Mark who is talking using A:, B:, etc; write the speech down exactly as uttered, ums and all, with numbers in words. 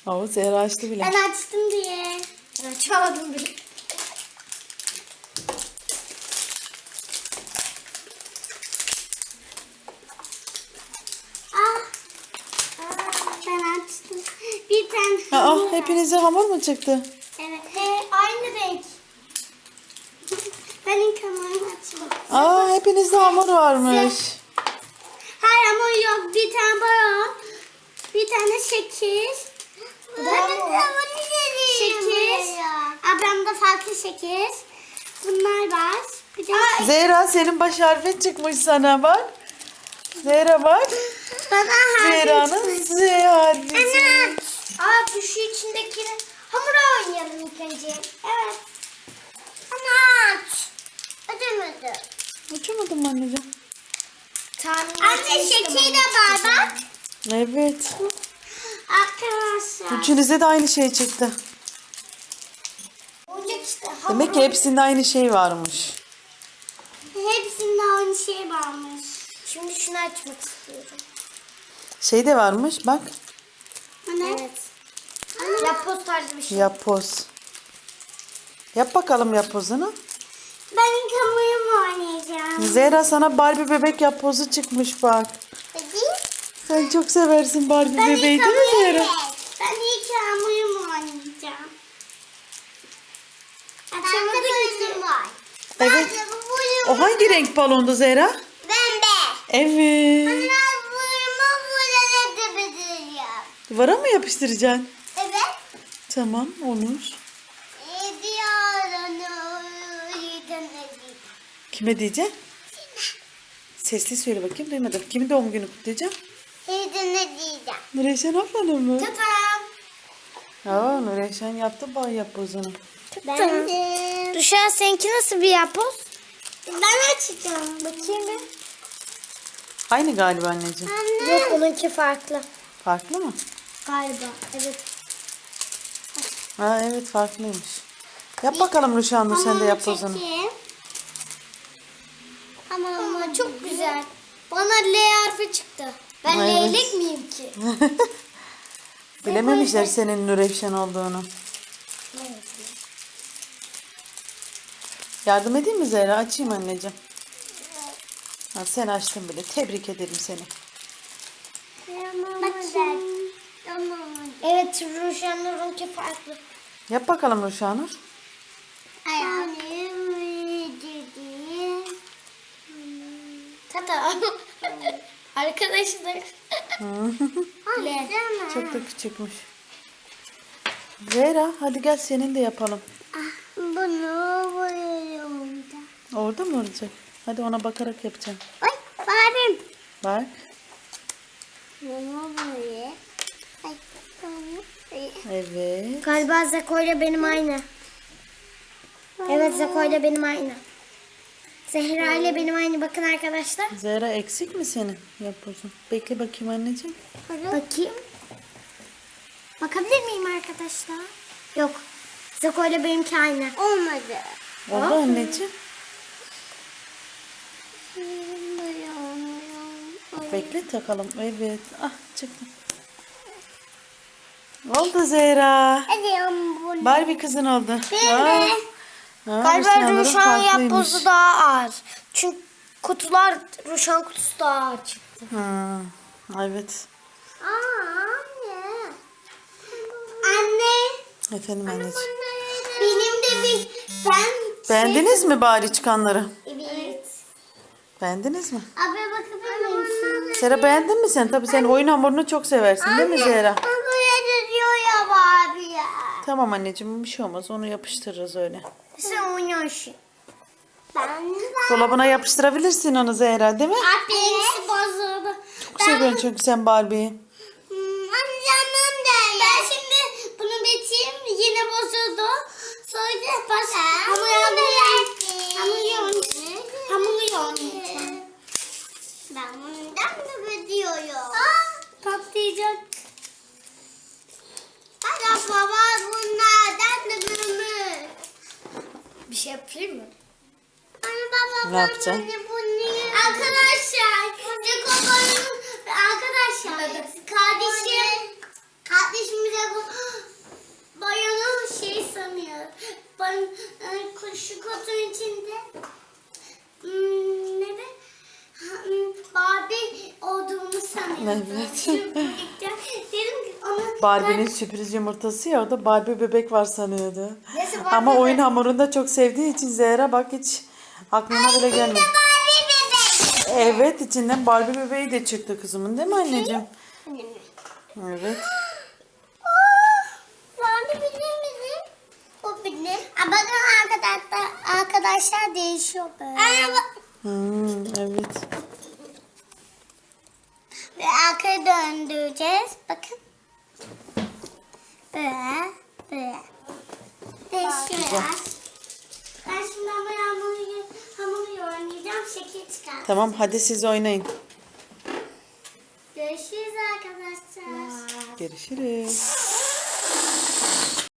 A: Oo, Zehra açtı bile.
B: Ben açtım diye.
C: Ben açamadım bile.
B: Ah. Aa, ben açtım. Bir tane
A: Aa,
B: hamur var.
A: hepinize hamur mu çıktı?
B: Evet. He, aynı renk. Ben ilk hamurunu açtım.
A: Aa, hepinizde hamur varmış.
B: Hayır hamur yok. Bir tane balon. Bir tane şekil. Bu da hamur. Şekil. Ablamda farklı şekil. Bunlar var. Bir de
A: Zehra, senin baş harfin çıkmış sana bak. Zehra bak.
B: bana harfi
A: Zehra'nın
B: çıkmış.
A: Z harfi.
B: Ana. Aa bu şu içindekini hamura oynayalım ilk önce. Evet. Ana aç. Ödemedi.
A: Uçamadım mı anneciğim?
B: Anne şekil de var bak.
A: Evet.
B: Arkadaşlar.
A: Üçünüze de aynı şey çıktı.
B: Oyuncak işte.
A: Demek ki hepsinde aynı şey varmış.
B: Hepsinde aynı şey varmış. Şimdi şunu açmak istiyorum.
A: Şey de varmış bak.
B: Ne? Evet. Yapboz tarzı bir şey.
A: Yapboz. Yap bakalım yapbozunu.
B: Ben ilk hamurumu oynayacağım.
A: Zehra, sana Barbie bebek yapbozu çıkmış bak.
B: Hadi.
A: Sen çok seversin Barbie
B: Ben
A: bebeği
B: ilk
A: değil mi
B: hamurumu.
A: Zehra?
B: Ben ilk hamurumu oynayacağım. Açamadık ki. Var.
A: Evet. O hangi renk balondu Zehra?
B: Pembe.
A: Evet.
B: Ben vurma burada da bitireceğim.
A: Duvara mı yapıştıracaksın?
B: Evet.
A: Tamam, olur. Kime diyeceksin? Sesli söyle bakayım, duymadım. Kimin doğum günü kutlayacağım?
B: Hedine diyeceğim.
A: Nureyşen ablanın mı?
B: Tatam.
A: Aa, Nureyşen yaptı bay yapbozunu.
B: Ben de.
C: Rüşen seninki nasıl bir yapboz?
B: Ben açacağım. Bakayım bir.
A: Aynı galiba anneciğim.
B: Anne.
C: Yok onunki farklı.
A: Farklı mı?
B: Galiba. Evet.
A: Ha evet, farklıymış. Yap bakalım Ruşen Nur, sen de yapbozunu.
B: Ama ama çok güzel. Bana L harfi çıktı. Ben
A: Evet.
B: leylek miyim ki?
A: Bilememişler senin Nureyşen olduğunu. Yardım edeyim mi Zehra? Açayım anneciğim. Ha, sen açtın bile. Tebrik ederim seni.
B: Bakayım.
C: Evet Rüşen Nur'unki farklı.
A: Yap bakalım Ruşen Nur.
B: Ayağım.
C: Tata. Arkadaşlar.
B: L.
A: Çok da küçükmüş. Zehra, hadi gel senin de yapalım.
B: Bunu boyuyorum da.
A: Orada mı olacak? Hadi ona bakarak yapacağım.
B: Ay Barbim.
A: Bak.
B: Bunu boyuyor. Ay bunu
A: Evet.
C: Galiba Zeko ile benim aynı. Evet Zeko ile benim aynı. Zehra ile benim aynı. Bakın arkadaşlar.
A: Zehra, eksik mi senin yapbozun? Bekle bakayım anneciğim.
C: Bakayım. Bakabilir miyim arkadaşlar? Yok. Zeko ile benimki aynı.
B: olmadı.
A: Oldu anneciğim. Bekle takalım. Evet. Ah, çıktı. Oldu Zehra.
B: Hadi bunu.
A: Barbie kızın oldu.
B: Ben
A: Aa.
B: de.
A: Ha,
C: Galiba
A: Ruşen Nur'un
C: Ruşen
A: farklıymış.
C: yapbozu daha ağır. Çünkü kutular Ruşen kutusu daha ağır çıktı.
A: Ha, evet.
B: Aa, anne. Anne.
A: Efendim anneciğim.
B: Benim de bir ben
A: Beğendiniz mi bari çıkanları?
B: Evet.
A: Beğendiniz mi?
B: Abi bakabilir misin?
A: Zehra, beğendin mi sen? Tabii sen oyun hamurunu çok seversin değil mi Zehra?
B: Bu böyle diyor ya Barbie ya.
A: Tamam anneciğim, bir şey olmaz. Onu yapıştırırız öyle.
B: Sen oynuyorsun. Ben de.
A: Dolabına yapıştırabilirsin onu Zehra, değil mi?
B: Abi benimkisi bozuldu.
A: Çok seviyorsun çünkü sen Barbie'yi.
B: Hmm, anlamam da. Ben şimdi bunu bitireyim. Yine bozuldu. Sonra baş hamur hamur hamur yoğun. Hamur yoğun. Ben bundan da biliyorum. Aa, patlayacak. Hadi baba bunlardan da büyümüş.
C: Bir şey yapayım mı?
B: Anne baba
A: Ne yapacaksın?
B: Arkadaşlar, Ceko'nun arkadaşlar, kardeşim, kardeşimize
A: Evet.
B: Dedim ki onu
A: Barbie'nin sürpriz yumurtası ya, o da Barbie bebek var sanıyordu.
C: Neyse, Barbie
A: Ama oyun
C: bebek.
A: hamurunu da çok sevdiği için Zehra bak hiç aklına bile gelmedi.
B: Barbie bebek.
A: Evet, içinden Barbie bebeği de çıktı kızımın, değil mi anneciğim? Evet.
B: Barbie bilir misin? O bilir. Aa, bakın arkadaşlar, arkadaşlar değişiyor böyle.
A: Hmm, evet.
B: Ve arkaya döndüreceğiz. Bakın. Böyle. Böyle. Değişiyor. Ben şimdi ama hamuru, hamuru oynayacağım. Şekil çıkar.
A: Tamam, hadi siz oynayın.
B: Görüşürüz arkadaşlar.
A: Görüşürüz.